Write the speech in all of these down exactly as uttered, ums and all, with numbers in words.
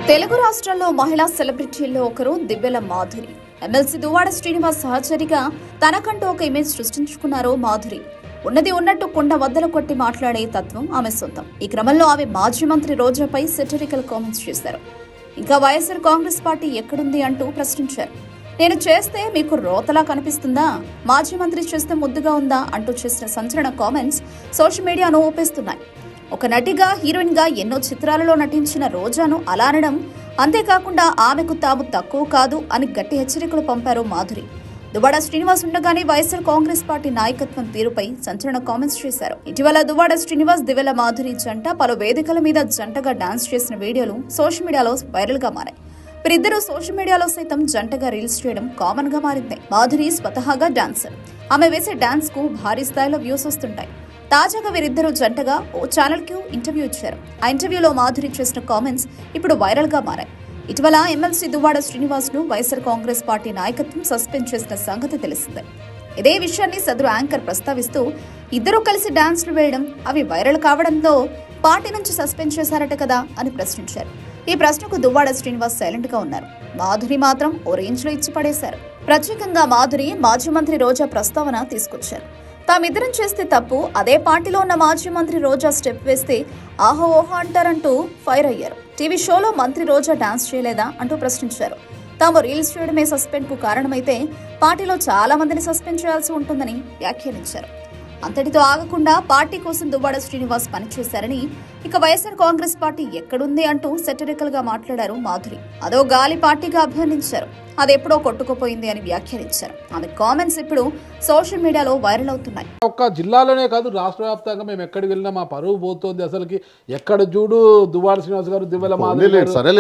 తెలుగు రాష్ట్రాల్లో మహిళా సెలబ్రిటీల్లో ఒకరు దివ్యల మాధురి. ఎమ్మెల్సీ దువ్వాడ శ్రీనివాస్ సహచరిగా తనకంటూ ఒక ఇమేజ్ సృష్టించుకున్నారు మాధురి. ఉన్నది ఉన్నట్టు కుండ వద్దలు కొట్టి మాట్లాడే తత్వం ఆమె సొంతం. ఈ క్రమంలో ఆమె మాజీ మంత్రి రోజాపై సెటరికల్ కామెంట్స్ చేశారు. ఇంకా వైఎస్ఆర్ కాంగ్రెస్ పార్టీ ఎక్కడుంది అంటూ ప్రశ్నించారు. నేను చేస్తే మీకు రోతలా కనిపిస్తుందా, మాజీ మంత్రి చేస్తే ముద్దుగా ఉందా అంటూ చేసిన సంచలన కామెంట్స్ సోషల్ మీడియాను ఊపేస్తున్నాయి. ఒక నటిగా హీరోయిన్ గా ఎన్నో చిత్రాలలో నటించిన రోజాను అలా అనడం, అంతేకాకుండా ఆమెకు తాము తక్కువ కాదు అని గట్టి హెచ్చరికలు పంపారు మాధురి. దువ్వాడ శ్రీనివాస్ ఉండగానే వైఎస్ఆర్ కాంగ్రెస్ పార్టీ నాయకత్వం తీరుపై సంచలన కామెంట్స్ చేశారు. ఇటీవల దువ్వాడ శ్రీనివాస్ దివ్యల మాధురి జంట పలు వేదికల మీద జంటగా డాన్స్ చేసిన వీడియోలు సోషల్ మీడియాలో వైరల్ గా మారాయి. వీరిద్దరూ సోషల్ మీడియాలో సైతం జంటగా రీల్స్ చేయడం కామన్ గా మారింది. మాధురి స్వతహాగా డాన్సర్. ఆమె వేసే డాన్స్ కు భారీ స్థాయిలో వ్యూస్ వస్తుంటాయి. తాజాగా వీరిద్దరూ జంటగా ఓ ఛానల్ కు ఇంటర్వ్యూ ఇచ్చారు. ఆ ఇంటర్వ్యూలో మాధురి చేసిన కామెంట్స్ ఇప్పుడు వైరల్ గా మారాయి. ఇటీవల ఎమ్మెల్సీ దువ్వాడ శ్రీనివాస్ ను వైఎస్ఆర్ కాంగ్రెస్ పార్టీ నాయకత్వం సస్పెండ్ చేసిన సంగతి తెలిసిందే. ఇదే విషయాన్ని సదరు యాంకర్ ప్రస్తావిస్తూ, ఇద్దరూ కలిసి డాన్స్లు వేయడం, అవి వైరల్ కావడంతో పార్టీ నుంచి సస్పెండ్ చేశారట కదా అని ప్రశ్నించారు. ఈ ప్రశ్నకు దువ్వాడ శ్రీనివాస్ సైలెంట్ గా ఉన్నారు. మాధురి మాత్రం ఓ రేంజ్ లో ఇచ్చి పడేశారు. ప్రత్యేకంగా మాధురి మాజీ మంత్రి రోజా ప్రస్తావన తీసుకొచ్చారు. తామిద్దరం చేస్తే తప్పు, అదే పార్టీలో ఉన్న మాజీ మంత్రి రోజా స్టెప్ వేస్తే ఆహో ఓహో అంటారంటూ ఫైర్ అయ్యారు. టీవీ షోలో మంత్రి రోజా డాన్స్ చేయలేదా అంటూ ప్రశ్నించారు. తాము రీల్స్ చేయడమే సస్పెండ్ కు కారణమైతే పార్టీలో చాలా మందిని సస్పెండ్ చేయాల్సి ఉంటుందని వ్యాఖ్యానించారు. అంతటితో ఆగకుండా పార్టీ కోసం దువ్వాడ శ్రీనివాస్ పనిచేశారని, ఇక వైఎస్ఆర్ కాంగ్రెస్ పార్టీ ఎక్కడుంది అంటూ సెటరికల్ గా మాట్లాడారు మాధురి. అదో గాలి పార్టీగా అభివర్ణించారు. అది ఎప్పుడో కొట్టుకుపోయింది అని వ్యాఖ్యానించారు. ఆమె కామెంట్స్ ఇప్పుడు సోషల్ మీడియాలో వైరల్ అవుతున్నాయి. ఒక్క జిల్లాలోనే కాదు, రాష్ట్ర వ్యాప్తంగా మేము ఎక్కడికి వెళ్ళినా మా పరువు పోతుంది. అసలుకి ఎక్కడ చూడు దువ్వాడ శ్రీనివాస్ గారు, దివ్యల మాధురి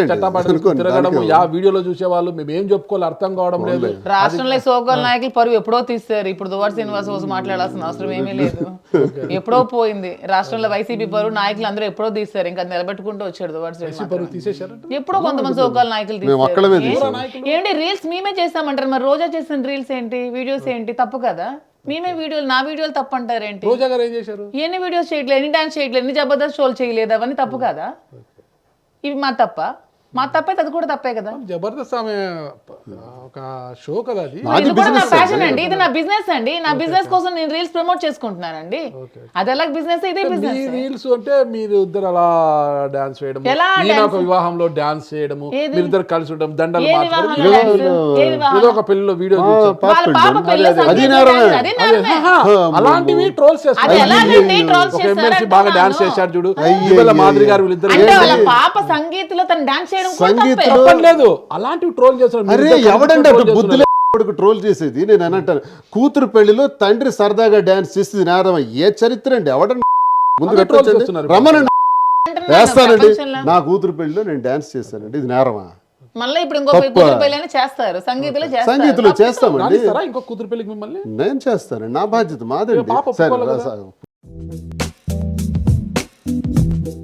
తిరగడం, ఆ వీడియోలో చూసేవాళ్ళు మేము ఏం చెప్పుకోవాలి అర్థం కావడం లేదు. రాష్ట్రంలో సోగల్ నాయకులు పరువు ఎప్పుడో తీస్తారు. ఇప్పుడు దువ్వాడ శ్రీనివాస్ కోసం మాట్లాడాల్సిన అవసరం ఏమీ లేదు. ఎప్పుడో పోయింది. రాష్ట్రంలో వైసీపీ పరువు నాయకులు అందరూ ఎప్పుడో తీస్తారు. ఇంకా నిలబెట్టుకుంటూ వచ్చాడు దువ్వాడ శ్రీనివాస్. ఎప్పుడో కొంతమంది సోగల్ నాయకులు తీస్తారు. ఏంటి రీల్స్ మేమే చేస్తామంటారు, మరి రోజా చేసిన రీల్స్ ఏంటి, వీడియోస్ ఏంటి, తప్పు కదా? మేమే వీడియోలు, నా వీడియోలు తప్పు అంటారు ఏంటి? రోజా గారు ఏం చేశారు? ఎన్ని వీడియోస్ చేయట్లేదు, ఎన్ని డాన్స్ చేయట్లేదు, ఎన్ని జబర్దస్త్ షోలు చేయలేదు, అవన్నీ తప్పు కదా? ఇవి మా తప్ప? మా తప్పైతే అది కూడా తప్పే కదా. జబర్దస్త్ ఆమె ఒక షో కదా, అది ఇది కూడా నా ప్యాషన్ అండి, ఇది నా బిజినెస్ అండి. నా బిజినెస్ కోసం నేను రీల్స్ ప్రమోట్ చేసుకుంటున్నానండి. అది ఎలా బిజినెస్, ఇదే బిజినెస్. రీల్స్ అంటే మీరు ఇద్దరు అలా డాన్స్ చేయడం, ఒక వివాహంలో డాన్స్ చేయడము, మీరు ఇద్దరు కలిసి ఉండడం, దండలు ఏదో ఒక పెళ్లిలో వీడియో అలాంటివి ట్రోల్స్ చేస్తారు. బాగా డాన్స్ చేశారు చూడు మాధురి గారు, వీళ్ళిద్దరు పాప సంగీత్లో తను డాన్స్ లేదు, అలాంటివి ట్రోల్ చేస్తారు. ఎవడంటే బుద్ధులే ట్రోల్ చేసేది. నేను అనంటాను, కూతురు పెళ్లిలో తండ్రి సరదాగా డాన్స్ చేసేది నేరమా? ఏ చరిత్ర అండి? ఎవడండి ముందు రమ్మనండి, వేస్తానండి. నా కూతురు పెళ్లిలో నేను డాన్స్ చేస్తానండి, ఇది నేరమా? మళ్ళీ ఇప్పుడు ఇంకో కూతురు పెళ్లి చేస్తారు, సంగీతంలో సంగీతంలో చేస్తామండి. ఇంకో కూతురు పెళ్లికి మిమ్మల్ని నేను చేస్తానండి, నా బాధ్యత మాదండి.